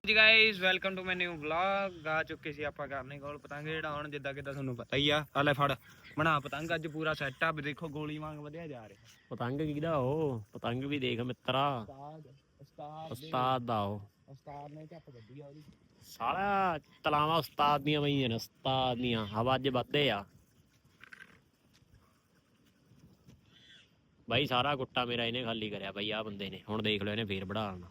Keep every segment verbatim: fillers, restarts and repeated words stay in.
ਜੀ guys welcome to my new vlog. ਆ ਚੁੱਕੇ ਸੀ ਆਪਾਂ ਕਰਨੇ ਕੋਲ ਪਤੰਗ ਜਿਹੜਾ ਹੁਣ ਜਿੱਦਾਂ ਕਿਦਾਂ ਤੁਹਾਨੂੰ ਪਤਾ ਹੀ ਆ। ਆ ਲੈ ਫੜ ਬਣਾ ਪਤੰਗ ਅੱਜ ਪੂਰਾ ਸੈਟ ਅਪ। ਦੇਖੋ ਗੋਲੀ ਵਾਂਗ ਵਧਿਆ ਜਾ ਰਿਹਾ ਪਤੰਗ ਕਿਹਦਾ ਉਹ ਪਤੰਗ ਵੀ ਦੇਖ ਮਿੱਤਰਾ ਉਸਤਾਦ ਉਸਤਾਦ ਉਸਤਾਦ ਦਾ ਉਹ ਉਸਤਾਦ ਨੇ ਝੱਪ ਕੱਢੀ ਆ ਉਹਦੀ ਸਾਰਾ ਤਲਾਵਾਂ ਉਸਤਾਦ ਦੀਆਂ ਪਈਆਂ ਨੇ ਉਸਤਾਦ ਦੀਆਂ ਹਵਾ ਅੱਜ ਵੱਧਦੇ ਆ ਬਾਈ। ਸਾਰਾ ਗੁੱਟਾ ਮੇਰਾ ਇਹਨੇ ਖਾਲੀ ਕਰਿਆ ਬਾਈ ਆ ਬੰਦੇ ਨੇ। ਹੁਣ ਦੇਖ ਲਓ ਇਹਨੇ ਫੇਰ ਵਧਾਉਣਾ।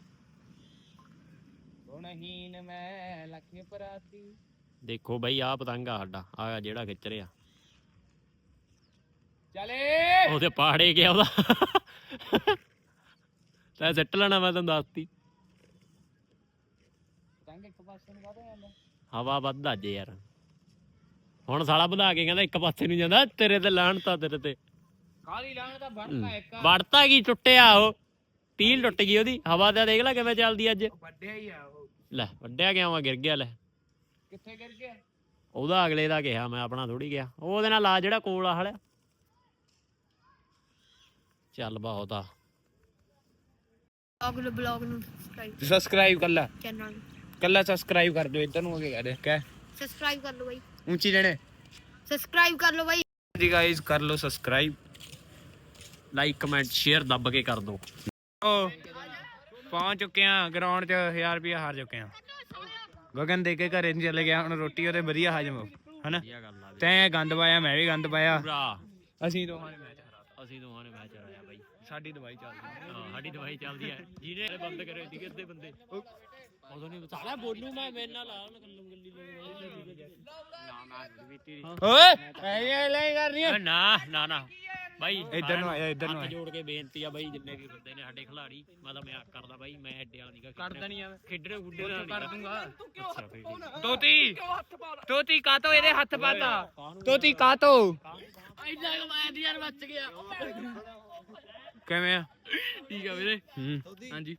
ਗੁਣਹੀਨ ਮੈਂ ਲੱਖੇ ਪਰਾਤੀ ਦੇਖੋ ਬਾਈ ਆ ਪਤੰਗ ਆ ਸਾਡਾ ਆ ਜਿਹੜਾ ਖਿੱਚ ਰਿਹਾ ਚਲੇ ਉਹਦੇ ਪਾੜੇ ਗਿਆ ਉਹਦਾ ਤੈਂ ਸਿੱਟ ਲੈਣਾ ਮੈਂ ਤੈਨੂੰ ਦੱਸਤੀ। ਪਤੰਗ ਇੱਕ ਪਾਸੇ ਨੂੰ ਵਧਿਆ ਜਾਂਦਾ ਹਵਾ ਵੱਧ ਅੱਜ ਯਾਰ। ਹੁਣ ਸਾਲਾ ਵਧਾ ਕੇ ਕਹਿੰਦਾ ਇੱਕ ਪਾਸੇ ਨੂੰ ਜਾਂਦਾ। ਤੇਰੇ ਤੇ ਲਾਹਣਤਾ ਤੇਰੇ ਤੇ ਕਾਲੀ ਲਾਣ ਦਾ ਵੜਤਾ ਇੱਕ ਵੜਤਾ ਕੀ ਟੁੱਟਿਆ ਉਹ ਟੀਲ ਟੁੱਟ ਗਈ ਉਹਦੀ। ਹਵਾ ਦਾ ਦੇਖ ਲੈ ਕਿਵੇਂ ਚੱਲਦੀ ਅੱਜ। ਵੱਡਿਆ ਹੀ ਆ ਉਹ। ਲੈ ਵੱਡਿਆ ਗਿਆ ਵਾ ਗਿਰ ਗਿਆ। ਲੈ ਕਿੱਥੇ ਗਿਰ ਗਿਆ ਉਹਦਾ ਅਗਲੇ ਦਾ ਕਿਹਾ ਮੈਂ ਆਪਣਾ ਥੋੜੀ ਗਿਆ। ਉਹਦੇ ਨਾਲ ਆ ਜਿਹੜਾ ਕੋਲ ਆ ਹਲਿਆ ਚੱਲ ਬਹੁਤ ਆ। ਅਗਲੇ ਬਲੌਗ ਨੂੰ ਸਬਸਕ੍ਰਾਈਬ ਸਬਸਕ੍ਰਾਈਬ ਕਰ ਲੈ ਚੈਨਲ ਕੱਲਾ ਸਬਸਕ੍ਰਾਈਬ ਕਰ ਦਿਓ। ਇੱਧਰ ਨੂੰ ਅੱਗੇ ਕਰ ਕਹਿ ਸਬਸਕ੍ਰਾਈਬ ਕਰ ਲਓ ਬਾਈ। ਉੱਚੀ ਜਣੇ ਸਬਸਕ੍ਰਾਈਬ ਕਰ ਲਓ ਬਾਈ। ਜੀ ਗਾਇਸ ਕਰ ਲਓ ਸਬਸਕ੍ਰਾਈਬ ਲਾਈਕ ਕਮੈਂਟ ਸ਼ੇਅਰ ਦੱਬ ਕੇ ਕਰ ਦੋ। ਓ ਪਹੁੰਚ ਚੁੱਕੇ ਆ ਗਰਾਊਂਡ 'ਚ। ਹਜ਼ਾਰ ਰੁਪਇਆ ਹਾਰ ਚੁੱਕੇ ਆ। ਗਗਨ ਦੇ ਕੇ ਘਰੇ ਨਹੀਂ ਚਲੇ ਗਿਆ। ਹੁਣ ਰੋਟੀ ਉਹਦੇ ਵਧੀਆ ਹਜਮ ਹਨਾ। ਤੈਂ ਗੰਦ ਪਾਇਆ ਮੈਂ ਵੀ ਗੰਦ ਪਾਇਆ। ਅਸੀਂ ਦੋਹਾਂ ਨੇ ਮੈਚ ਹਰਾਤਾ। ਅਸੀਂ ਦੋਹਾਂ ਨੇ ਮੈਚ ਹਰਾਇਆ ਬਾਈ। ਸਾਡੀ ਦਵਾਈ ਚੱਲਦੀ ਹਾਂ ਸਾਡੀ ਦਵਾਈ ਚੱਲਦੀ ਹੈ। ਜਿਹਨੇ ਬੰਦ ਕਰੇ ਸੀਗੇ ਅੱਧੇ ਬੰਦੇ ਉਦੋਂ ਨਹੀਂ ਸਾਲਾ ਬੋਲੂ ਮੈਂ ਮੇਰੇ ਨਾਲ ਆ ਗੱਲੂ ਗੱਲੀ ਓਏ ਐ ਲੈ ਕਰ ਰਹੀ ਆ ਨਾ ਨਾ ਨਾ ਬਾਈ ਇੱਧਰ ਨੂੰ ਆਇਆ ਇੱਧਰ ਨੂੰ ਹੱਥ ਜੋੜ ਕੇ ਬੇਨਤੀ ਆ ਬਾਈ ਜਿੰਨੇ ਵੀ ਬੰਦੇ ਨੇ ਸਾਡੇ ਖਿਲਾੜੀ। ਮੈਂ ਤਾਂ ਮਜ਼ਾਕ ਕਰਦਾ ਬਾਈ। ਮੈਂ ਐਡੇ ਵਾਲਾ ਨਹੀਂਗਾ ਕਰਦਾ ਨਹੀਂ ਆ ਖੇਡਣੇ ਖੁੱਡੇ ਨਾਲ ਕਰ ਦੂੰਗਾ। ਅੱਛਾ ਫੇਰ ਠੀਕ। ਤੋਤੀ ਤੋਤੀ ਕਾਤੋਂ ਇਹਦੇ ਹੱਥ ਪਾਤਾ ਤੋਤੀ ਕਾਤੋਂ ਇੰਨਾ ਕਮਾਇਆ ਦੀ ਯਾਰ ਬਚ ਗਿਆ। ਕਿਵੇਂ ਆ ਠੀਕ ਆ ਵੀਰੇ। ਹੂੰ ਹਾਂਜੀ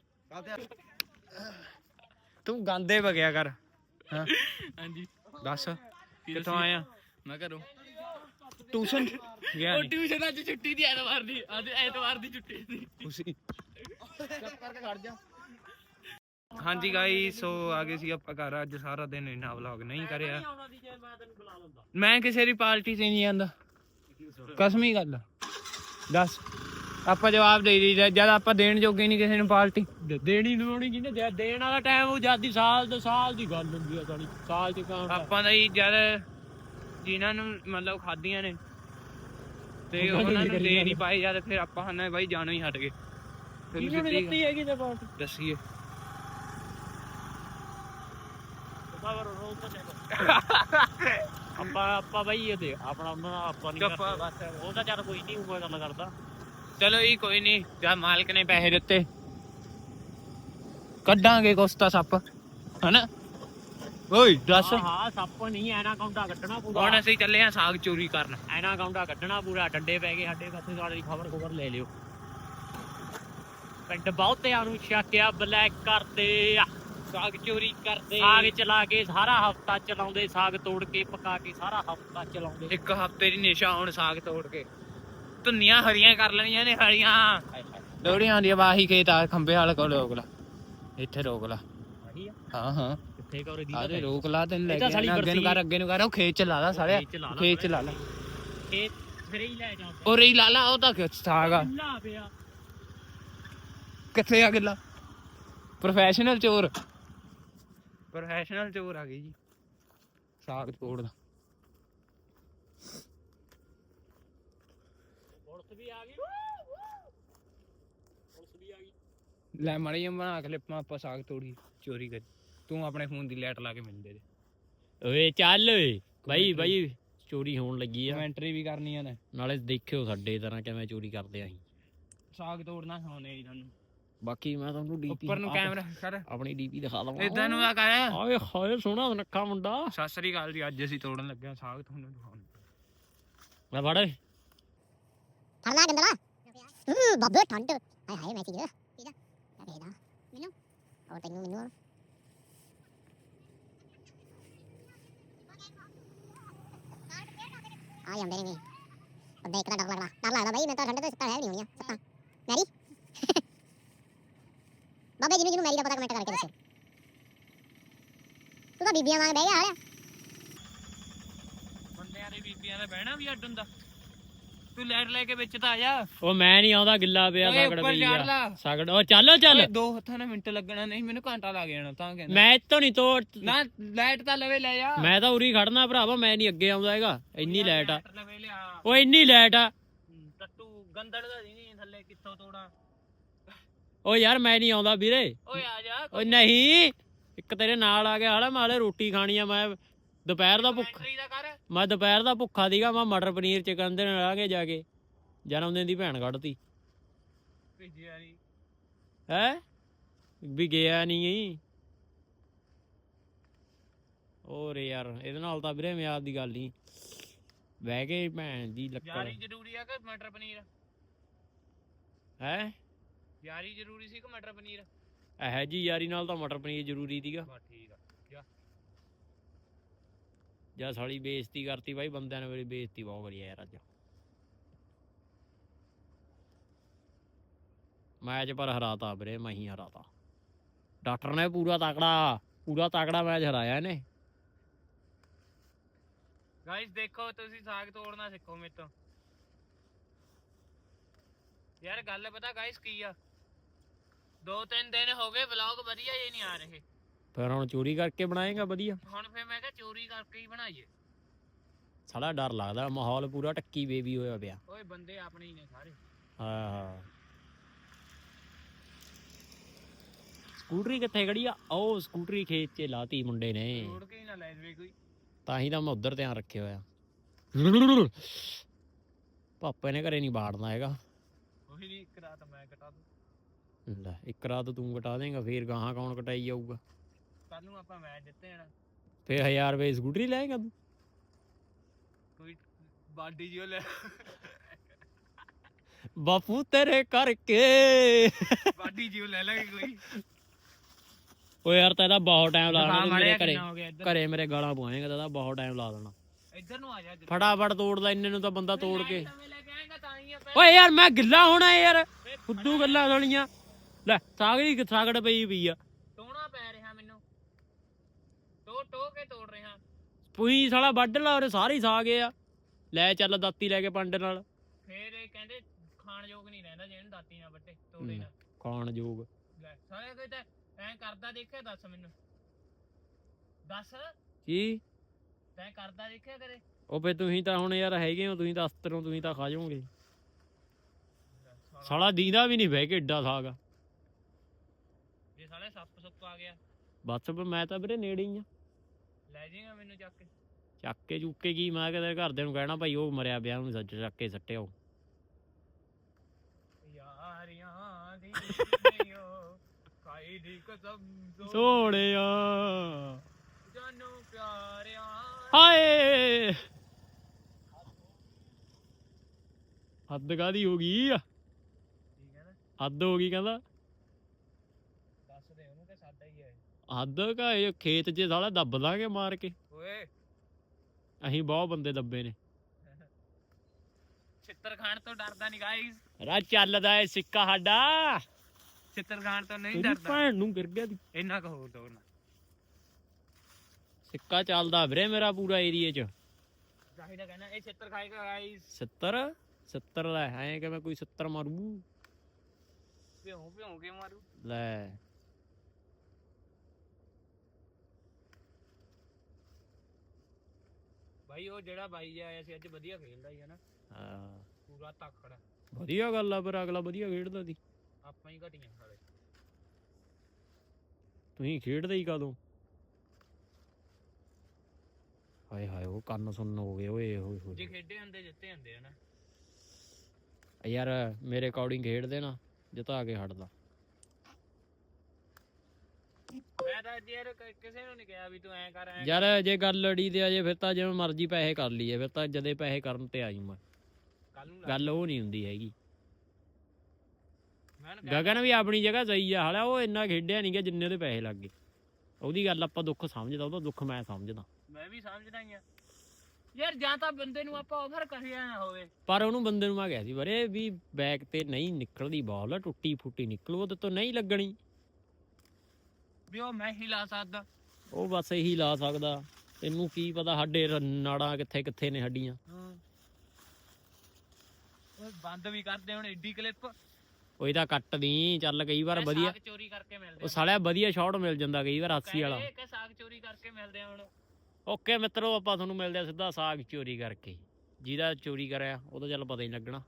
ਤੂੰ ਗਾਂਦੇ ਵਗਿਆ ਕਰ। ਹਾਂ ਹਾਂਜੀ ਦੱਸ ਕਿੱਥੋਂ ਆਇਆ। ਮੈਂ ਘਰੋਂ ਟਿਊਸ਼ਨ ਗਿਆ ਉਹ ਨਹੀਂ ਟਿਊਸ਼ਨ ਅੱਜ ਛੁੱਟੀ ਦੀ ਐਤਵਾਰ ਦੀ ਅੱਜ ਐਤਵਾਰ ਦੀ ਛੁੱਟੀ ਸੀ। ਤੁਸੀਂ ਚੁੱਪ ਕਰਕੇ ਖੜ ਜਾ। ਹਾਂਜੀ ਗਾਇਸ ਸੋ ਆ ਗਏ ਸੀ ਆਪਾਂ ਘਰ। ਅੱਜ ਸਾਰਾ ਦਿਨ ਇਹਨਾਂ ਵਲੌਗ ਨਹੀਂ ਕਰਿਆ। ਮੈਂ ਕਿਸੇ ਦੀ ਪਾਰਟੀ ਤੇ ਨਹੀਂ ਜਾਂਦਾ। ਕਸਮੀ ਗੱਲ ਦੱਸ ਆਪਾਂ ਜਵਾਬ ਦੇ ਦੀ ਜਦ ਆਪਾਂ ਦੇਣ ਜੋਗੇ ਨਹੀਂ ਕਿਸੇ ਨੂੰ ਪਾਰਟੀ ਦੇਣੀ ਦਵਾਉਣੀ ਕਿਹਨੇ ਦੇਣ ਵਾਲਾ ਟਾਈਮ ਉਹ ਜਦ ਦੀ ਸਾਲ ਦੋ ਸਾਲ ਦੀ ਗੱਲ ਹੁੰਦੀ ਆ ਸਾਲੀ ਸਾਲ ਚ ਕਾਉਂਟ ਆਪਾਂ ਦਾ ਹੀ ਜਦ ਜਿਨ੍ਹਾਂ ਨੂੰ ਮਤਲਬ ਖਾਧੀਆਂ ਨੇ ਤੇ ਉਹਨਾਂ ਨੂੰ ਦੇ ਨਹੀਂ ਪਾਏ ਜਦ ਫਿਰ ਆਪਾਂ ਹਨਾ ਬਾਈ ਜਾਣੋ ਹੀ ਹਟ ਗਏ। ਦਿੱਤੀ ਹੈਗੀ ਤੇ ਪਾਰਟੀ ਦੱਸੀਏ ਆਪਾਂ ਆਪਾਂ ਬਾਈ ਇਹ ਦੇ ਆਪਣਾ ਉਹਨਾਂ ਦਾ ਆਪਾਂ ਨਹੀਂ ਕਰਦੇ। ਉਹ ਤਾਂ ਚੱਲ ਕੋਈ ਨਹੀਂ ਉਹ ਗੱਲ ਕਰਦਾ। ਚਲੋ ਜੀ ਕੋਈ ਨਹੀਂ ਜਦ ਮਾਲਕ ਨੇ ਪੈਸੇ ਦਿੱਤੇ ਕੱਢਾਂਗੇ ਕੁਛ ਤਾਂ ਸੱਪ ਹਨਾ। ਓਏ ਦੱਸ ਹਾਂ ਸੱਪ ਨਹੀਂ ਐਨਾ ਕਾਉਂਟਾ ਕੱਢਣਾ ਪੂਰਾ। ਹੁਣ ਅਸੀਂ ਚੱਲੇ ਆ ਸਾਗ ਚੋਰੀ ਕਰਨ। ਐਨਾ ਕਾਉਂਟਾ ਕੱਢਣਾ ਪੂਰਾ। ਡੰਡੇ ਪੈ ਗਏ ਸਾਡੇ ਪਾਸੇ ਸਾਡੀ ਖਬਰ ਖਬਰ ਲੈ ਲਿਓ। ਪਿੰਡ ਬਹੁਤਿਆਂ ਨੂੰ ਸ਼ੱਕਿਆ ਬਲੈਕ ਕਰਦੇ ਆ ਸਾਗ ਚੋਰੀ ਕਰਦੇ ਸਾਗ ਚਲਾ ਕੇ ਸਾਰਾ ਹਫਤਾ ਚਲਾਉਂਦੇ। ਸਾਗ ਤੋੜ ਕੇ ਪਕਾ ਕੇ ਸਾਰਾ ਹਫਤਾ ਚਲਾਉਂਦੇ। ਇੱਕ ਹਫਤੇ ਦੀ ਨਿਸ਼ਾ ਹੁਣ ਸਾਗ ਤੋੜ ਕੇ ਧੁੰਨੀਆਂ ਹਰੀਆਂ ਕਰ ਲੈਣੀਆਂ ਨੇ। ਹਰੀਆਂ ਲੋੜੀਆਂ ਆਉਂਦੀਆਂ ਵਾਹੀ ਖੇਤ ਆ ਖੰਬੇ ਵਾਲੇ ਕੋਲ ਰੋਕ ਲਾ। ਇੱਥੇ ਰੋਕ ਲਾ। ਹਾਂ ਹਾਂ ਕਿੱਥੇ ਕਰੇ ਦੀ ਆਰੇ ਰੋਕ ਲਾ ਤੈਨੂੰ ਲੈ ਕੇ ਅੱਗੇ ਨੂੰ ਕਰ ਅੱਗੇ ਨੂੰ ਕਰ। ਉਹ ਖੇਤ ਚ ਲਾ ਲਾ ਸਾਲਿਆ ਖੇਤ ਚ ਲਾ ਲਾ। ਖੇਤ ਫਿਰ ਹੀ ਲੈ ਜਾ ਉਹ ਰਹੀ ਲਾ ਲਾ ਉਹ ਤਾਂ ਸਾਗ ਆ ਪਿਆ ਕਿੱਥੇ ਆ ਗਿੱਲਾ। ਪ੍ਰੋਫੈਸ਼ਨਲ ਚੋਰ ਪ੍ਰੋਫੈਸ਼ਨਲ ਚੋਰ ਆ ਗਈ ਜੀ ਸਾਗ ਤੋੜਦਾ। ਪੁਲਿਸ ਵੀ ਆ ਗਈ ਪੁਲਿਸ ਵੀ ਆ ਗਈ। ਲੈ ਮਾੜੀ ਜਿਹੀ ਬਣਾ ਕੇ ਲਿਪਾਂ ਆਪਾਂ ਸਾਗ ਤੋੜੀ ਚੋਰੀ ਕਰ। ਤੂੰ ਆਪਣੇ ਫੋਨ ਦੀ ਲਾਈਟ ਲਾ ਕੇ ਮੈਨੂੰ ਦੇ ਦੇ। ਓਏ ਚੱਲ ਓਏ ਬਾਈ ਬਾਈ ਚੋਰੀ ਹੋਣ ਲੱਗੀ ਆ। ਕਮੈਂਟਰੀ ਵੀ ਕਰਨੀਆਂ ਨੇ ਨਾਲੇ ਦੇਖਿਓ ਸਾਡੇ ਤਰ੍ਹਾਂ ਕਿਵੇਂ ਚੋਰੀ ਕਰਦੇ ਆ ਅਸੀਂ। ਸਾਗ ਤੋੜਨਾ ਖਾਣੇ ਜੀ ਤੁਹਾਨੂੰ। ਬਾਕੀ ਮੈਂ ਤੁਹਾਨੂੰ ਡੀਪੀ ਉੱਪਰ ਨੂੰ ਕੈਮਰਾ ਕਰ ਆਪਣੀ ਡੀਪੀ ਦਿਖਾ ਦਵਾਂ। ਇਦਾਂ ਨੂੰ ਆ ਕਰ। ਆਏ ਹਾਏ ਸੋਹਣਾ ਨੱਕਾ ਮੁੰਡਾ। ਸਤਿ ਸ੍ਰੀ ਅਕਾਲ ਜੀ। ਅੱਜ ਅਸੀਂ ਤੋੜਨ ਲੱਗੇ ਆ ਸਾਗ ਤੁਹਾਨੂੰ ਦਿਖਾਉਣ। ਲੈ ਫੜ ਓਏ ਫੜ ਲਾ ਗੰਦਲਾ। ਹੂੰ ਬਾਬੇ ਠੰਡ ਹਾਏ ਹਾਏ ਮੈਂ ਕੀ ਕਰਾਂ ਇਹਦਾ ਇਹਦਾ ਮੈਨੂੰ ਔਰ ਤੈਨੂੰ ਮੈਨੂੰ ਆ ਜਾਂਦੇ ਨੇ ਬੰਦੇ ਇੱਕ ਦਾ ਡਰ ਲੱਗਦਾ ਡਰ ਲੱਗਦਾ ਬਾਈ। ਮੈਂ ਤਾਂ ਠੰਡ ਤੋਂ ਸੱਤਾ ਹੈ ਨਹੀਂ ਹੋਣੀਆਂ ਸੱਤਾ ਮੈਰੀ ਬਾਬੇ ਜਿਹਨੂੰ ਜਿਹਨੂੰ ਮੈਰੀ ਦਾ ਪਤਾ ਕਮੈਂਟ ਕਰਕੇ ਦੱਸੋ। ਤੂੰ ਤਾਂ ਬੀਬੀਆਂ ਵਾਂਗ ਬਹਿ ਗਿਆ ਹਾਲਿਆ ਬੰਦਿਆਂ ਦੇ ਬੀਬੀਆਂ ਦਾ ਬਹਿਣਾ ਵੀ ਅੱਡ ਹੁੰਦਾ ਤੂੰ ਲੈਟ ਲੈ ਕੇ ਵਿੱਚ ਤਾਂ ਆ ਜਾ ਉਹ ਮੈਂ ਨਹੀਂ ਆਉਂਦਾ ਗਿੱਲਾ ਪਿਆ ਓਏ ਸਗੜ ਉੱਪਰ ਪਈ ਚੜ ਆ ਲਾ ਸਗੜ ਉਹ ਚੱਲ ਚੱਲ ਓਏ ਦੋ ਹੱਥਾਂ ਨਾਲ ਮਿੰਟ ਲੱਗਣਾ ਨਹੀਂ ਮੈਨੂੰ ਘੰਟਾ ਲੱਗ ਜਾਣਾ ਤਾਂ ਕਹਿੰਦਾ ਮੈਂ ਇੱਥੋਂ ਨਹੀਂ ਤੋੜ ਨਾ ਲਾਈਟ ਤਾਂ ਲਵੇ ਲੈ ਜਾ ਮੈਂ ਤਾਂ ਉਰੀ ਖੜਨਾ ਭਰਾਵਾ ਮੈਂ ਨਹੀਂ ਅੱਗੇ ਆਉਂਦਾ ਹੈਗਾ ਇੰਨੀ ਲਾਈਟ ਆ ਲਵੇ ਲਿਆ ਉਹ ਇੰਨੀ ਲਾਈਟ ਆ ਟੱਟੂ ਗੰਦੜ ਦਾ ਨਹੀਂ ਥੱਲੇ ਕਿੱਥੋਂ ਤੋੜਾਂ ਓ ਯਾਰ ਮੈਂ ਨਹੀਂ ਆਉਂਦਾ ਵੀਰੇ ਓਏ ਆ ਜਾ ਓ ਨਹੀਂ ਇੱਕ ਤੇਰੇ ਨਾਲ ਆ ਗਿਆ ਹਾਲੇ ਮਾਲੇ ਰੋਟੀ ਖਾਣੀ ਆ ਮੈਂ ਦੁਪਹਿਰ ਦਾ ਭੁੱਖ ਬੈਟਰੀ ਦਾ ਕਰ ਮੈਂ ਦੁਪਹਿਰ ਦਾ ਭੁੱਖਾ ਸੀਗਾ ਮੈਂ ਮਟਰ ਪਨੀਰ ਚਿਕਨ ਦੇ ਨਾਲ ਆ ਕੇ ਜਾ ਕੇ ਜਨਮ ਦਿਨ ਦੀ ਭੈਣ ਕੱਢਤੀ ਭੇਜਿਆ ਨਹੀਂ ਹੈ ਵੀ ਗਿਆ ਨਹੀਂ ਗਈ ਹੋਰ ਯਾਰ ਇਹਦੇ ਨਾਲ ਤਾਂ ਵੀਰੇ ਮਿਆਦ ਦੀ ਗੱਲ ਨਹੀਂ ਬਹਿ ਕੇ ਭੈਣ ਦੀ ਲੱਕੜ ਯਾਰੀ ਜ਼ਰੂਰੀ ਆ ਕਿ ਮਟਰ ਪਨੀਰ ਹੈ ਯਾਰੀ ਜ਼ਰੂਰੀ ਸੀ ਕਿ ਮਟਰ ਪਨੀਰ ਇਹ ਜੀ ਯਾਰੀ ਨਾਲ ਤਾਂ ਮਟਰ ਪਨੀਰ ਜ਼ਰੂਰੀ ਸੀਗਾ ਬਸ ਠੀਕ ਆ ਜਾ ਜਾਂ ਸਾਲੀ ਬੇਇੱਜ਼ਤੀ ਕਰਤੀ ਬਾਈ ਬੰਦਿਆਂ ਨੇ ਮੇਰੀ ਬੇਇੱਜ਼ਤੀ ਬਹੁਤ ਕਰੀ ਯਾਰ ਅੱਜ ਮੈਚ ਪਰ ਹਰਾਤਾ ਵੀਰੇ ਮੈਂ ਹੀ ਹਰਾਤਾ ਡਾਕਟਰ ਨੇ ਪੂਰਾ ਤਕੜਾ ਪੂਰਾ ਤਕੜਾ ਮੈਚ ਹਰਾਇਆ ਇਹਨੇ ਗਾਇਸ ਦੇਖੋ ਤੁਸੀਂ ਸਾਗ ਤੋੜਨਾ ਸਿੱਖੋ ਮੇਰੇ ਤੋਂ ਯਾਰ ਗੱਲ ਪਤਾ ਗਾਇਸ ਕੀ ਆ ਦੋ ਤਿੰਨ ਦਿਨ ਹੋ ਗਏ ਵਲੌਗ ਵਧੀਆ ਜੇ ਨਹੀਂ ਆ ਰਹੇ ਫਿਰ ਹੁਣ ਚੋਰੀ ਕਰਕੇ ਬਣਾਏਗਾ ਵਧੀਆ ਹੁਣ ਫੇਰ ਮੈਂ ਕਿਹਾ ਚੋਰੀ ਕਰਕੇ ਹੀ ਬਣਾਈਏ ਸਾਲਾ ਡਰ ਲੱਗਦਾ ਮਾਹੌਲ ਪੂਰਾ ਟੱਕੀ ਬੇਬੀ ਹੋਇਆ ਪਿਆ ਓਏ ਬੰਦੇ ਆਪਣੇ ਹੀ ਨੇ ਸਾਰੇ ਹਾਂ ਹਾਂ ਸਕੂਟਰੀ ਕਿੱਥੇ ਖੜੀ ਆ ਉਹ ਸਕੂਟਰੀ ਖੇਤ 'ਚ ਲਾਤੀ ਮੁੰਡੇ ਨੇ ਤੋੜ ਕੇ ਹੀ ਨਾ ਲੈ ਜਵੇ ਕੋਈ ਤਾਂ ਹੀ ਤਾਂ ਮੈਂ ਉਧਰ ਧਿਆਨ ਰੱਖਿਆ ਹੋਇਆ ਪਾਪੇ ਨੇ ਘਰੇ ਨਹੀਂ ਬਾੜਨਾ ਹੈਗਾ ਉਹੀ ਨਹੀਂ ਇੱਕ ਰਾਤ ਮੈਂ ਕਟਾ ਦੂੰ ਲੈ ਇੱਕ ਰਾਤ ਤੂੰ ਕਟਾ ਦੇਂਗਾ ਫੇਰ ਗਾਹਾਂ ਕੌਣ ਕਟਾਈ ਜਾਊਗਾ ਕੱਲ ਨੂੰ ਆਪਾਂ ਮੈਚ ਜਿੱਤੇ ਜਾਣਾ ਫੇਰ ਹਜ਼ਾਰ ਰੁਪਏ ਸਕੂਟਰੀ ਲੈਗਾ ਤੂੰ ਕੋਈ ਬਾਡੀ ਜਿਓ ਲੈ ਬਾਪੂ ਤੇਰੇ ਕਰਕੇ ਬਾਡੀ ਜਿਓ ਲੈ ਲਾਂਗੇ ਕੋਈ ਓ ਯਾਰ ਤਾਂ ਇਹਦਾ ਬਹੁਤ ਟਾਈਮ ਲਾ ਦੇਣਾ ਤੂੰ ਮੇਰੇ ਘਰੇ ਹੋ ਗਿਆ ਇੱਧਰ ਘਰੇ ਮੇਰੇ ਗਾਲਾਂ ਪਵਾਏਗਾ ਤਾਂ ਇਹਦਾ ਬਹੁਤ ਟਾਈਮ ਲਾ ਦੇਣਾ ਇੱਧਰ ਨੂੰ ਆ ਜਾ ਫਟਾਫਟ ਤੋੜਦਾ ਇੰਨੇ ਨੂੰ ਤਾਂ ਬੰਦਾ ਤੋੜ ਕੇ ਨਵੇਂ ਲੈ ਕੇ ਆਏਗਾ ਤਾਂ ਹੀ ਆ ਓਏ ਯਾਰ ਮੈਂ ਗਿੱਲਾ ਹੋਣਾ ਯਾਰ ਫੁੱਦੂ ਗੱਲਾਂ ਸੁਣੀਆਂ ਲੈ ਸਾਗਰੀ ਸਾਗੜ ਪਈ ਪਈ ਆ ਟੋਣਾ ਪੈ ਰਿਹਾ ਮੈਨੂੰ ਟੋ ਟੋ ਕੇ ਤੋੜ ਰਿਹਾ ਪੂਈ ਸਾਲਾ ਵੱਢ ਲਾ ਉਰੇ ਸਾਰੇ ਹੀ ਸਾਗ ਆ ਲੈ ਚੱਲ ਦਾਤੀ ਲੈ ਕੇ ਪੰਡ ਨਾਲ ਫੇਰ ਇਹ ਕਹਿੰਦੇ ਖਾਣ ਯੋਗ ਨਹੀਂ ਰਹਿੰਦਾ ਜਿਹਨੂੰ ਦਾਤੀ ਨਾਲ ਵੱਟੇ ਤੋੜੇ ਨਾ ਖਾਣ ਯੋਗ ਲੈ ਸਾਰੇ ਕੋਈ ਤਾਂ ਐਂ ਕਰਦਾ ਦੇਖਿਆ ਦੱਸ ਮੈਨੂੰ ਦੱਸ ਕੀ ਤੈਂ ਕਰਦਾ ਦੇਖਿਆ ਕਰੇ ਉਹ ਫੇ ਤੁਸੀਂ ਤਾਂ ਹੁਣ ਯਾਰ ਹੈਗੇ ਹੋ ਤੁਸੀਂ ਤਾਂ ਅਸਤਰੋਂ ਤੁਸੀਂ ਤਾਂ ਖਾ ਜਾਓਗੇ ਸਾਲਾ ਦੀਦਾ ਵੀ ਨਹੀਂ ਬਹਿ ਕੇ ਏਡਾ ਸਾਗ ਆ ਜੇ ਸਾਲੇ ਸੱਪ ਸੁੱਪ ਆ ਗਿਆ ਬਸ ਮੈਂ ਤਾਂ ਵੀਰੇ ਨੇੜੇ ਹੀ ਆ ਲੈ ਜਾਏਗਾ ਮੈਨੂੰ ਚੱਕ ਕੇ ਚੱਕ ਕੇ ਚੁੱਕੇ ਕੀ ਮੈਂ ਕਿਤੇ ਘਰਦਿਆਂ ਨੂੰ ਕਹਿਣਾ ਭਾਈ ਉਹ ਮਰਿਆ ਪਿਆ ਉਹਨੂੰ ਸੱਚ ਚੱਕ ਕੇ ਸੱਟਿਓ ਯਾਰੀਆਂ ਦੀ ਓ ਕਾਈ ਦੀ ਕਸਮ ਸੋਹਣਿਆ ਜਾਨੂ ਪਿਆਰਿਆਂ ਹਾਏ ਹੱਦ ਕਾਦੀ ਹੋ ਗਈ ਠੀਕ ਹੈ ਨਾ ਹੱਦ ਹੋ ਗਈ ਕਹਿੰਦਾ ਦੱਸ ਦੇ ਉਹਨੂੰ ਕਿ ਸਾਡਾ ਹੀ ਹੈ ਹੱਦ ਕਾ ਇਹ ਖੇਤ 'ਚ ਸਾਲਾ ਦੱਬ ਦਾਂਗੇ ਮਾਰ ਕੇ ਓਏ ਅਸੀਂ ਬਹੁਤ ਬੰਦੇ ਦੱਬੇ ਨੇ ਛਿੱਤਰ ਖਾਣ ਤੋਂ ਡਰਦਾ ਨਹੀਂ ਗਾਇਸ ਰਾ ਚੱਲਦਾ ਏ ਸਿੱਕਾ ਸਾਡਾ ਛਿੱਤਰ ਖਾਣ ਤੋਂ ਨਹੀਂ ਤੇਰੀ ਡਰਦਾ ਭੈਣ ਨੂੰ ਗਿਰ ਗਿਆ ਦੀ ਇੰਨਾ ਕੁ ਹੋਰ ਤੋੜਨਾ ਸਿੱਕਾ ਚੱਲਦਾ ਵੀਰੇ ਮੇਰਾ ਪੂਰਾ ਏਰੀਏ 'ਚ ਚਾਹੀਦਾ ਕਹਿੰਦਾ ਇਹ ਛਿੱਤਰ ਖਾਏਗਾ ਗਾਇਸ ਸੱਤਰ ਸੱਤਰ ਲੈ ਐਂ ਕਿਵੇਂ ਕੋਈ ਸੱਤਰ ਮਾਰੂ ਭਿਉਂ ਭਿਉਂ ਕੇ ਮਾਰੂ ਲੈ ਭਾਈ ਉਹ ਜਿਹੜਾ ਬਾਈ ਜਿਹਾ ਆਇਆ ਸੀ ਅੱਜ ਵਧੀਆ ਖੇਲਦਾ ਹੀ ਹੈ ਨਾ ਹਾਂ ਪੂਰਾ ਤਕੜਾ ਵਧੀਆ ਗੱਲ ਆ ਪਰ ਅਗਲਾ ਵਧੀਆ ਖੇਡਦਾ ਸੀ ਆਪਾਂ ਹੀ ਘਟੀਆਂ ਸਾਰੇ ਤੁਸੀਂ ਖੇਡਦੇ ਹੀ ਕਦੋਂ ਹਾਏ ਹਾਏ ਉਹ ਕੰਨ ਸੁਣਨ ਹੋ ਗਏ ਓਏ ਹੋਏ ਹੋਏ ਜੇ ਖੇਡੇ ਹੁੰਦੇ ਜਿੱਤੇ ਹੁੰਦੇ ਆ ਨਾ ਯਾਰ ਮੇਰੇ ਅਕੋਰਡਿੰਗ ਖੇਡਦੇ ਨਾ ਜਿਤਾ ਕੇ ਹਟਦਾ ਮੈਂ ਤਾਂ ਯਾਰ ਕਿਸੇ ਨੂੰ ਨਹੀਂ ਕਿਹਾ ਵੀ ਤੂੰ ਐਂ ਕਰ ਐਂ ਯਾਰ ਜੇ ਗੱਲ ਲੜੀ ਤੇ ਆ ਜੇ ਫਿਰ ਤਾਂ ਜਿਵੇਂ ਮਰਜ਼ੀ ਪੈਸੇ ਕਰ ਲਈਏ ਫਿਰ ਤਾਂ ਜਦੇ ਪੈਸੇ ਕਰਨ ਤੇ ਆ ਜੂ ਮੈਂ ਕੱਲ ਨੂੰ ਗੱਲ ਉਹ ਨਹੀਂ ਹੁੰਦੀ ਹੈਗੀ ਮੈਂ ਉਹਨੂੰ ਕਿਹਾ ਗਗਨ ਵੀ ਆਪਣੀ ਜਗ੍ਹਾ ਸਹੀ ਆ ਹਾਲਾ ਉਹ ਇੰਨਾ ਖੇਡਿਆ ਨਹੀਂ ਗਿਆ ਜਿੰਨੇ ਉਹਦੇ ਪੈਸੇ ਲੱਗ ਗਏ ਉਹਦੀ ਗੱਲ ਆਪਾਂ ਦੁੱਖ ਸਮਝਦਾ ਉਹਦਾ ਦੁੱਖ ਮੈਂ ਸਮਝਦਾ ਮੈਂ ਵੀ ਸਮਝਦਾ ਹੀ ਆ ਯਾਰ ਜਾਂ ਤਾਂ ਬੰਦੇ ਨੂੰ ਆਪਾਂ ਆਫਰ ਕਰਿਆ ਨਾ ਹੋਵੇ ਪਰ ਉਹਨੂੰ ਬੰਦੇ ਨੂੰ ਮੈਂ ਕਿਹਾ ਸੀ ਬਰੇ ਵੀ ਬੈਕ ਤੇ ਨਹੀਂ ਨਿਕਲਦੀ ਬਾਲ ਟੁੱਟੀ ਫੁੱਟੀ ਨਿਕਲੂ ਉਹਦੇ ਤੋਂ ਨਹੀਂ ਲੱਗਣੀ ਵੀ ਉਹ ਮੈਂ ਹੀ ਲਾ ਸਕਦਾ ਉਹ ਬਸ ਇਹੀ ਲਾ ਸਕਦਾ। ਤੈਨੂੰ ਕੀ ਪਤਾ ਸਾਡੇ ਰ- ਨਾੜਾਂ ਕਿੱਥੇ ਕਿੱਥੇ ਨੇ ਸਾਡੀਆਂ। ਉਹ ਬੰਦ ਵੀ ਕਰਦੇ ਹੁਣ ਏਡੀ ਕਲਿੱਪ। ਉਹ ਇਹਦਾ ਕੱਟ ਦੀ ਚੱਲ ਕਈ ਵਾਰ ਵਧੀਆ ਸਾਗ ਚੋਰੀ ਕਰਕੇ ਮਿਲਦੇ ਉਹ ਸਾਲਿਆ ਵਧੀਆ ਸ਼ਾਟ ਮਿਲ ਜਾਂਦਾ ਕਈ ਵਾਰ ਹਾਸੀ ਵਾਲਾ। ਕਿ ਸਾਗ ਚੋਰੀ ਕਰਕੇ ਮਿਲਦੇ ਆ ਹੁਣ। ਓਕੇ ਮਿੱਤਰੋ ਆਪਾਂ ਤੁਹਾਨੂੰ ਮਿਲਦੇ ਆ ਸਿੱਧਾ ਸਾਗ ਚੋਰੀ ਕਰਕੇ। ਜਿਹਦਾ ਚੋਰੀ ਕਰਿਆ ਉਹ ਤਾਂ ਚੱਲ ਪਤਾ ਹੀ ਨਹੀਂ ਲੱਗਣਾ।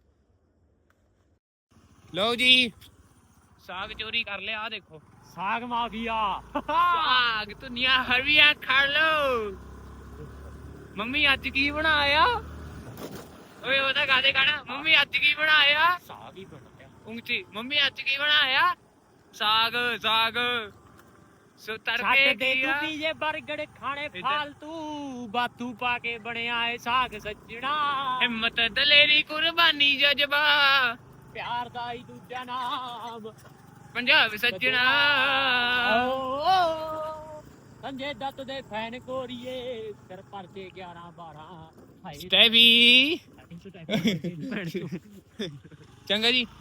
ਲਓ ਜੀ ਸਾਗ ਚੋਰੀ ਕਰ ਲਿਆ। ਆ ਦੇਖੋ ਸਾਗ ਮਾਫੀਆ। ਸਾਗ ਦੁਨੀਆ ਹਰੀਆ ਖਾ ਲੋ। ਮੰਮੀ ਅੱਜ ਕੀ ਬਣਾਇਆ? ਓਏ ਉਹਦਾ ਗਾਦੇ ਗਾਣਾ ਮੰਮੀ ਅੱਜ ਕੀ ਬਣਾਇਆ? ਸਾਗ ਹੀ ਬਣ ਗਿਆ। ਉਂਚੀ ਮੰਮੀ ਅੱਜ ਕੀ ਬਣਾਇਆ? ਸਾਗ ਸਾਗ ਸੋ ਤੜਕੇ ਦੇ ਕੀ ਆ? ਤੂੰ ਜੇ 버ਗਰ ਖਾਣੇ ਫਾਲਤੂ ਬਾਤੂ ਪਾ ਕੇ ਬਣਿਆ ਏ ਸਾਗ ਸੱਜਣਾ। ਹਿੰਮਤ ਦਲੇਰੀ ਕੁਰਬਾਨੀ ਜਜ਼ਬਾ ਪਿਆਰ ਦਾ ਹੀ ਦੂਜਾ ਨਾਮ ਪੰਜਾਬ ਸੱਜਣਾ। ਸੰਜੇ ਦੱਤ ਦੇ ਫੈਨ ਕੋਰੀਏ ਸਿਰ ਪਰਦੇ ਗਿਆਰਾਂ ਬਾਰਾਂ। ਸਟੈਵੀ ਚੰਗਾ ਜੀ।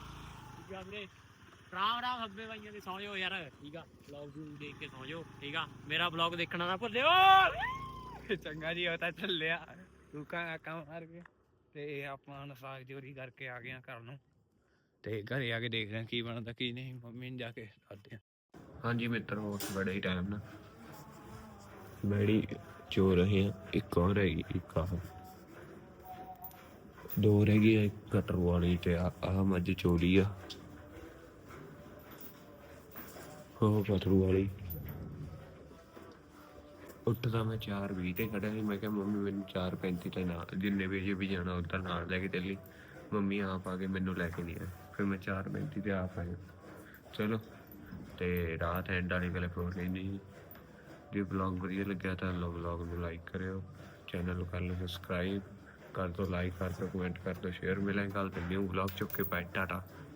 ਰਾਮ ਰਾਮ ਹੱਬੇ ਬਾਈਆਂ ਦੇ ਸੌਂ ਜਾਓ ਯਾਰ। ਠੀਕ ਆ ਵਲੌਗ ਨੂੰ ਦੇਖ ਕੇ ਸੌਂ ਜਾਓ। ਠੀਕ ਆ ਮੇਰਾ ਵਲੌਗ ਦੇਖਣਾ ਨਾ ਭੁੱਲਿਓ। ਚੰਗਾ ਜੀ ਉਹ ਤਾਂ ਚੱਲਿਆ ਤੂੰ ਕਾ ਕੰਮ ਮਾਰ ਕੇ ਤੇ ਆਪਾਂ ਹੁਣ ਸਾਗ ਚੋਰੀ ਕਰਕੇ ਆ ਗਏ ਆ ਘਰ ਨੂੰ ਤੇ ਘਰੇ ਆ ਕੇ ਦੇਖਦੇ ਆ ਕੀ ਬਣਦਾ ਕੀ ਨਹੀਂ। ਮੰਮੀ ਨੂੰ ਜਾ ਕੇ ਦੱਸਦੇ ਆ। ਹਾਂਜੀ ਮਿੱਤਰੋ ਉਸ ਬੜੇ ਹੀ ਟਾਈਮ ਨਾ ਬੜੀ ਚੋ ਰਹੇ ਆ। ਇੱਕ ਹੋਰ ਹੈਗੀ ਇੱਕ ਆਹ ਦੋ ਰਹਿ ਗਈ ਇੱਕ ਕਟਰ ਵਾਲੀ ਤੇ ਆਹ ਮੱਝ ਚੋਰੀ ਆ ਉਹ ਕਟਰੂ ਵਾਲੀ। ਉੱਠਦਾ ਮੈਂ ਚਾਰ ਵੀਹ ਤੇ ਖੜਿਆ ਸੀ। ਮੈਂ ਕਿਹਾ ਮੰਮੀ ਮੈਨੂੰ ਚਾਰ ਪੈਂਤੀ ਤੇ ਨਾਲ ਜਿੰਨੇ ਵਜੇ ਵੀ ਜਾਣਾ ਉੱਧਰ ਨਾਲ ਲੈ ਕੇ ਚੱਲੀ। ਮੰਮੀ ਆਪ ਆ ਕੇ ਮੈਨੂੰ ਲੈ ਕੇ ਨਹੀਂ ਆਏ। ਫਿਰ ਮੈਂ ਚਾਰ ਪੈਂਤੀ ਤੇ ਆਪ ਆਇਆ। ਚਲੋ ਤੇ ਰਾਤ ਐਂਡ ਵਾਲੀ ਗੱਲ ਹੋਰ ਨਹੀਂ। ਜੇ ਬਲੌਗ ਵਧੀਆ ਲੱਗਿਆ ਤਾਂ ਲੋ ਬਲੌਗ ਨੂੰ ਲਾਈਕ ਕਰਿਓ। ਚੈਨਲ ਨੂੰ ਕਰ ਲਓ ਸਬਸਕ੍ਰਾਈਬ ਕਰ ਦਿਓ ਲਾਈਕ ਕਰ ਦਿਓ ਕਮੈਂਟ ਕਰ ਦਿਓ ਸ਼ੇਅਰ। ਮਿਲਾਂਗੇ ਕੱਲ੍ਹ ਤੇ ਨਿਊ ਬਲੌਗ ਚੁੱਕ ਕੇ ਬਾਏ ਟਾਟਾ।